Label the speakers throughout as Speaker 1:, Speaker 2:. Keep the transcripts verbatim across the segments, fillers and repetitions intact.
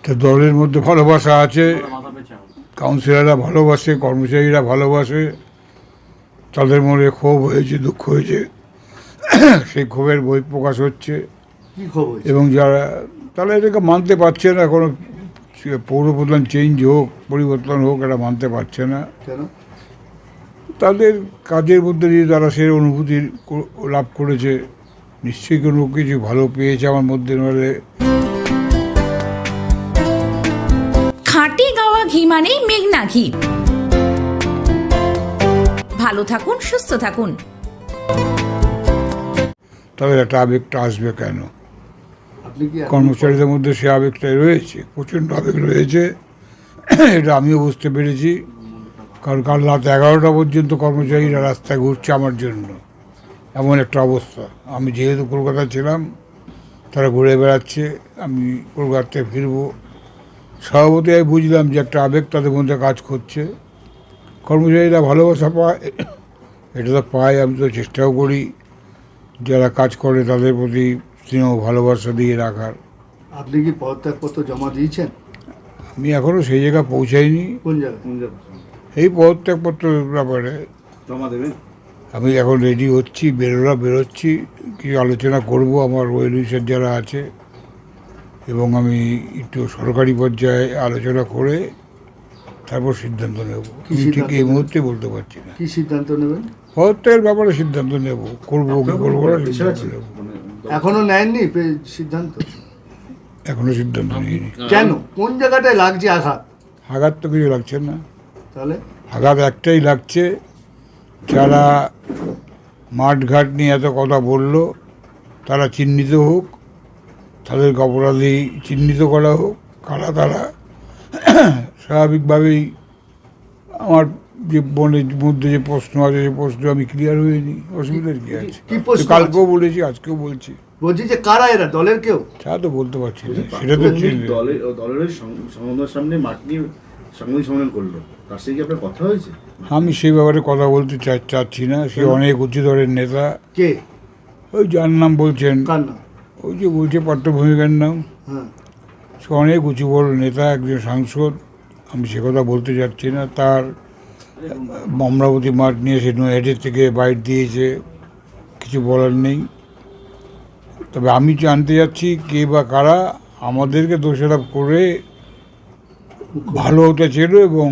Speaker 1: তো দলের মধ্যে ভালোবাসা আছে, কাউন্সিলররা ভালোবাসে, কর্মচারীরা ভালোবাসে, তাদের মনে ক্ষোভ হয়েছে, দুঃখ হয়েছে, সেই ক্ষোভের বহিঃপ্রকাশ হচ্ছে। এবং যারা তারা এটাকে মানতে পারছে না, কোনো পৌরপ্রধান চেঞ্জ হোক, পরিবর্তন হোক, এটা মানতে পারছে না। তাদের কাজের মধ্যে দিয়ে তারা সে অনুভূতি লাভ করেছে, নিশ্চয়ই কোনো কিছু ভালো পেয়েছে আমার মধ্যে। নাহলে
Speaker 2: খাঁটি গাওয়া ঘি মানেই মেঘনা ঘি। ভালো থাকুন, সুস্থ থাকুন।
Speaker 1: তাদের একটা আবেগটা আসবে কেন? কর্মচারীদের মধ্যে সে আবেগটাই রয়েছে, প্রচণ্ড আবেগ রয়েছে, এটা আমিও বুঝতে পেরেছি। কারণ কাল রাত এগারোটা পর্যন্ত কর্মচারীরা রাস্তায় ঘুরছে আমার জন্য, এমন একটা অবস্থা। আমি যেহেতু কলকাতায় ছিলাম, তারা ঘুরে বেড়াচ্ছে, আমি কলকাতায় ফিরবো। স্বভাবতই আমি বুঝলাম যে একটা আবেগ তাদের মধ্যে কাজ করছে। কর্মচারীরা ভালোবাসা পায়, এটা তো পায়, আমি তো চেষ্টাও করি যারা কাজ করে তাদের প্রতি স্নেহ ভালোবাসা দিয়ে রাখার।
Speaker 3: আপনি কি পদত্যাগপত্র জমা দিয়েছেন?
Speaker 1: আমি এখনও সেই জায়গায় পৌঁছাইনি।
Speaker 3: কোন জায়গায়?
Speaker 1: এই পদত্যাগপত্রের ব্যাপারে
Speaker 3: জমা দেবেন?
Speaker 1: আমি এখন রেডি হচ্ছি, বেরোরা বেরোচ্ছি, কিছু আলোচনা করব আমার ওয়েল উইশার যারা আছে, এবং আমি একটু সরকারি পর্যায়ে আলোচনা করে তারপর সিদ্ধান্ত নেব। আমি ঠিক এই মুহূর্তে বলতে পারছি না
Speaker 3: কি সিদ্ধান্ত নেবেন।
Speaker 1: পদত্যাগের ব্যাপারে সিদ্ধান্ত নেব, করবো কি করবো না সিদ্ধান্ত নেব।
Speaker 3: এখনো নেননি সিদ্ধান্ত?
Speaker 1: এখনো সিদ্ধান্ত নিইনি।
Speaker 3: কেন? কোন জায়গাটায় লাগছে আঘাত?
Speaker 1: আঘাত তো কিছু লাগছে না।
Speaker 3: তাহলে
Speaker 1: আঘাত একটাই লাগছে, যারা মাঠঘাট নিয়ে এত কথা বলল তারা চিহ্নিত হোক, তাদেরকে অপরাধী চিহ্নিত করা হোক, কারা তারা। স্বাভাবিকভাবেই আমার যে মনের মধ্যে যে প্রশ্ন আছে, সেই প্রশ্ন আমি ক্লিয়ার হইনি, অসুবিধার কি আছে? কালকেও বলেছি, আজকেও বলছি।
Speaker 3: বলছি যে কারা এরা, দলের কেউ?
Speaker 1: তা তো বলতে পারছি না, সেটা তো
Speaker 4: দলের দলের সংবাদ সামনে মাঠ নিয়ে সাংবাদিক সম্মেলন করলো, তার সাথে কি আপনার কথা হয়েছে?
Speaker 1: আমি সেই ব্যাপারে কথা বলতে চাচ্ছি না। সে অনেক উচ্চ দলের নেতা।
Speaker 3: কে?
Speaker 1: ওই যার নাম বলছেন,
Speaker 3: কার নাম?
Speaker 1: ওই যে বলছে পার্থভূমিকার নাম।
Speaker 3: হ্যাঁ,
Speaker 1: সে অনেক উঁচু বড় নেতা, একজন সাংসদ। আমি সে কথা বলতে চাচ্ছি না। তার অমরাবতী মাঠ নিয়ে সে নৈহাটির থেকে বাইট দিয়েছে, কিছু বলার নেই। তবে আমি জানতে যাচ্ছি কে বা কারা আমাদেরকে দোষারোপ করে ভালো হতে ছিল এবং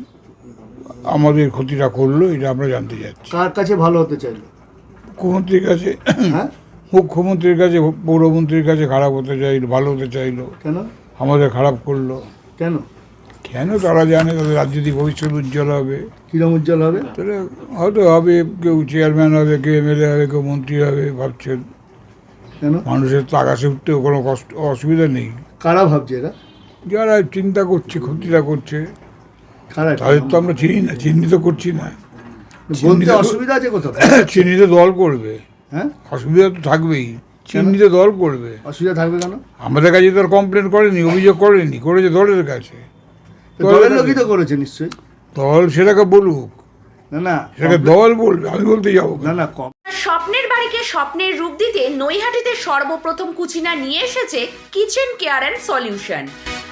Speaker 1: আমাদের ক্ষতিটা করলো, এটা আমরা জানতে চাচ্ছি।
Speaker 3: কার কাছে ভালো হতে চাইলো?
Speaker 1: মুখ্যমন্ত্রীর কাছে,
Speaker 3: হ্যাঁ,
Speaker 1: মুখ্যমন্ত্রীর কাছে, পৌরমন্ত্রীর কাছে খারাপ হতে চাইলো, ভালো হতে চাইলো।
Speaker 3: কেন?
Speaker 1: আমাদের খারাপ করলো
Speaker 3: কেন?
Speaker 1: কেন তারা জানে, তাদের রাজনৈতিক ভবিষ্যৎ উজ্জ্বল হবে।
Speaker 3: কিরম উজ্জ্বল হবে?
Speaker 1: তাহলে হয়তো হবে, কেউ চেয়ারম্যান হবে, কেউ এমএলএ হবে, কেউ মন্ত্রী হবে ভাবছেন।
Speaker 3: কেন?
Speaker 1: মানুষের তো আকাশে উঠতেও কোনো কষ্ট অসুবিধা নেই।
Speaker 3: কারা ভাবছে এরা?
Speaker 1: যারা চিন্তা করছে, ক্ষতিটা করছে,
Speaker 3: কারা?
Speaker 1: তাদের তো আমরা চিনি না, চিহ্নিত করছি না।
Speaker 3: বলতে অসুবিধা আছে কোথাও?
Speaker 1: চিহ্নিত দল করবে।
Speaker 3: হ্যাঁ,
Speaker 1: অসুবিধা তো থাকবেই, চিহ্নিত দল করবে।
Speaker 3: অসুবিধা থাকবে কেন?
Speaker 1: আমাদের কাছে তো আর কমপ্লেন করেনি, অভিযোগ করেনি, করেছে দলের কাছে।
Speaker 3: দলের লোকই তো করেছে নিশ্চয়ই।
Speaker 1: দল সেটাকে বলুক,
Speaker 3: না না
Speaker 1: সেটাকে দল বলবে, আমি বলতে যাবো
Speaker 3: না না কম।
Speaker 2: স্বপ্নের বাড়িকে স্বপ্নের রূপ দিতে নৈহাটিতে সর্বপ্রথম কুচিনা নিয়ে এসেছে কিচেন কেয়ার অ্যান্ড সলিউশন।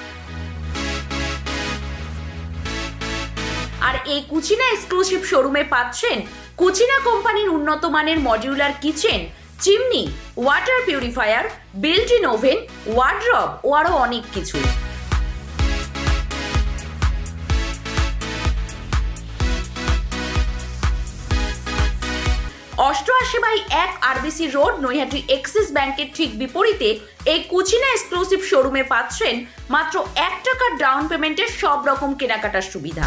Speaker 2: আর এই কুচিনা এক্সক্লুসিভ শোরুমে পাচ্ছেন কুচিনা কোম্পানির উন্নত মানের modular kitchen, chimney, water purifier, built in oven, wardrobe ও আরো অনেক কিছু। অষ্টআশি বাই এক আরবিসি রোড, নৈহাটি এক্সিস ব্যাংকের ঠিক বিপরীতে এই কুচিনা এক্সক্লুসিভ শোরুমে পাচ্ছেন মাত্র এক টাকার ডাউন পেমেন্টের সব রকম কেনাকাটার সুবিধা।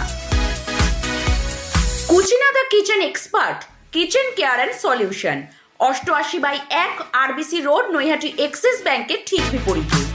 Speaker 2: Kutchina the kitchen expert, kitchen care and solution, অষ্টআশি বাই এক আরবিসি রোড, নৈহাটি এক্সিস ব্যাংকের ঠিক বিপরীতে।